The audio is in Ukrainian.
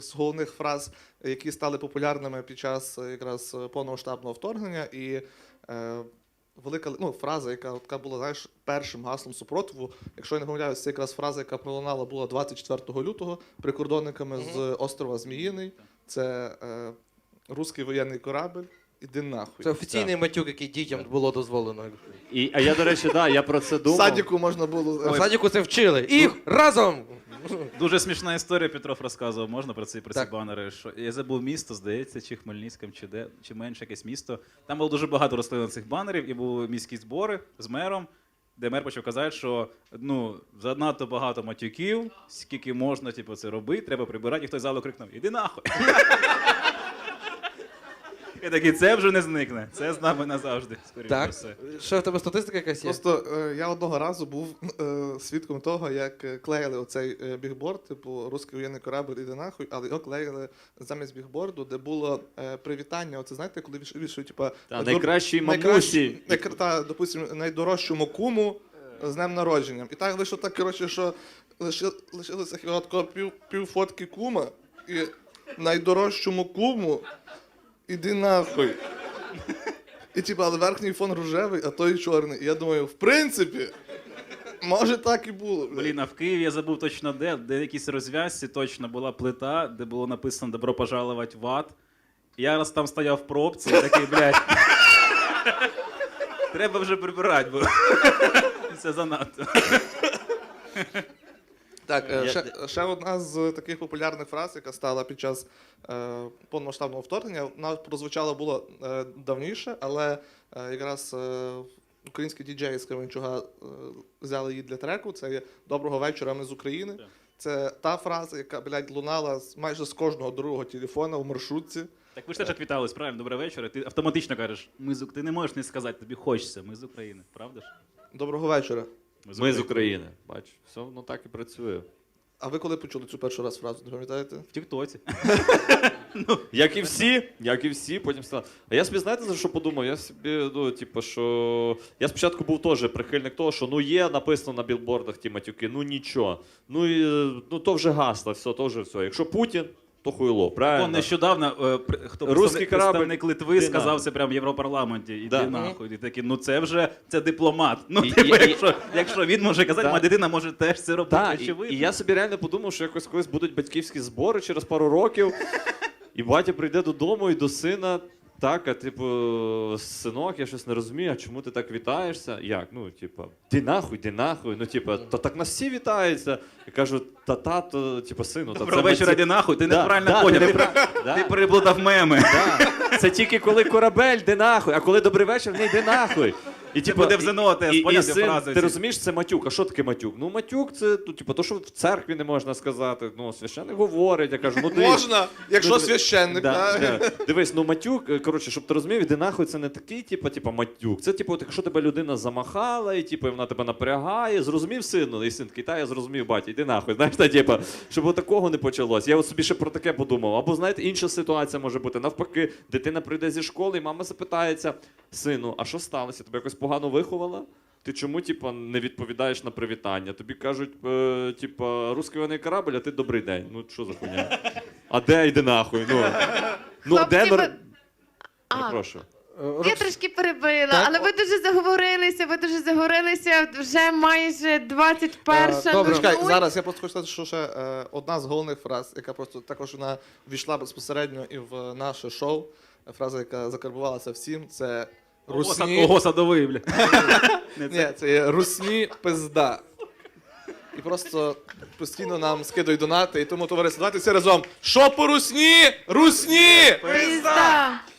з головних фраз, які стали популярними під час якраз повномасштабного вторгнення. І велика фраза, яка була, знаєш, першим гаслом супротиву. Якщо я не помиляюсь, це якраз фраза, яка пролунала була 24 лютого прикордонниками з острова Зміїний. Це «Руський воєнний корабль, іди нахуй». Це офіційний матюк, який дітям було дозволено. А я, до речі, я про це В думав. садіку можна було... В садіку це вчили. Їх разом! Дуже смішна історія, Петров розказував, можна про ці Так. банери. Що я забув місто, здається, чи Хмельницьким, чи менше якесь місто. Там було дуже багато розклеєно цих банерів, і були міські збори з мером, де мер почав казати, що занадто багато матюків, скільки можна це робити, треба прибирати, і хтось з залу крикнув: «Іди нахуй!» І такий, це вже не зникне, це з нами назавжди, скоріше за Так. все. Що в тебе статистика якась є? Просто я одного разу був свідком того, як клеїли оцей бігборд, типу «Руський воєнний корабль, іди нахуй», але його клеїли замість бігборду, де було привітання. Оце знаєте, коли вішають, типа... найкращій мамусі. Допустим, найдорожчому куму з днем народження. І так вийшло так, коротше, що лишилося хіба такого пів фотки кума, і найдорожчому куму іди нахуй. І типа, але верхній фон рожевий, а той чорний. І я думаю, в принципі, може так і було. Блін, а в Києві я забув точно де в якійсь розв'язці точно була плита, де було написано «Добро пожаловать в ад». І я раз там стояв в пробці, і такий, блядь, треба вже прибирати, бо це занадто. Так, ще одна з таких популярних фраз, яка стала під час повномасштабного вторгнення, вона прозвучала було давніше, але якраз українські діджеї з Кременчуга взяли її для треку. Це є «Доброго вечора, ми з України». Це та фраза, яка, блядь, лунала майже з кожного другого телефона в маршрутці. Так ви ж теж так вітались, правильно? «Добрий вечір». І ти автоматично кажеш, ти не можеш не сказати, тобі хочеться, ми з України, правда ж? Доброго вечора. Ми з України. Бач, все воно так і працює. А ви коли почули цю перший раз фразу, не пам'ятаєте? В Тіктоці. Як і всі, потім сказали. А я собі, знаєте, за що подумав? Я собі, що... Я спочатку був теж прихильник того, що є написано на білбордах ті матюки, нічого. То вже гасло, то вже все. Якщо Путін, то хуйло, правильно? Нещодавно представник Литви сказав це прямо в Європарламенті. Іди нахуй. І такі, це дипломат. Якщо він може казати, моя дитина може теж це робити, очевидно. І я собі реально подумав, що якось колись будуть батьківські збори через пару років, і батя прийде додому і до сина, так, синок, я щось не розумію, а чому ти так вітаєшся? Як? Ди нахуй, то так нас всі вітаються. Я кажу, тато, сину, Доброго вечора, іди нахуй, ти неправильно поняв, ти переплутав меми. Це тільки коли корабель, ди нахуй, а коли добрий вечір, не йди нахуй. І буде в ЗНО теж, поняв ці син, фрази. ти розумієш, це матюк. А що таке матюк? Матюк це, то, що в церкві не можна сказати. Священник говорить, я кажу, Можна, якщо священник, так? Дивись, матюк, коротше, щоб ти розумів, іди нахуй, це не такий, матюк. Це, якщо тебе людина замахала, і, вона тебе напрягає, зрозумів сину, і син такий, я зрозумів, батя, іди нахуй. Знаєш, щоб такого не почалось. Я собі ще про таке подумав. Або, знаєте, інша ситуація може бути. Навпаки, дитина прийде зі школи, і мама запитається, сину, а що сталося? Тебе якось погано виховала? Ти чому, не відповідаєш на привітання? Тобі кажуть, «Руський воєнний корабль», а ти «Добрий день». Що за хуйня? А де йди нахуй? Де... Перепрошую. Я трошки перебила, але ви дуже заговорилися, вже майже 21-ша. Добре, чекай, зараз я просто хочу сказати, що ще одна з головних фраз, яка просто також вона ввійшла безпосередньо і в наше шоу, фраза, яка закарбувалася всім, це «Русні». Ого, садовий, бля. Ні, це є «Русні пизда». І просто постійно нам скидають донати, і тому, товариство, давайте всі разом. Що по русні? Русні! Пизда!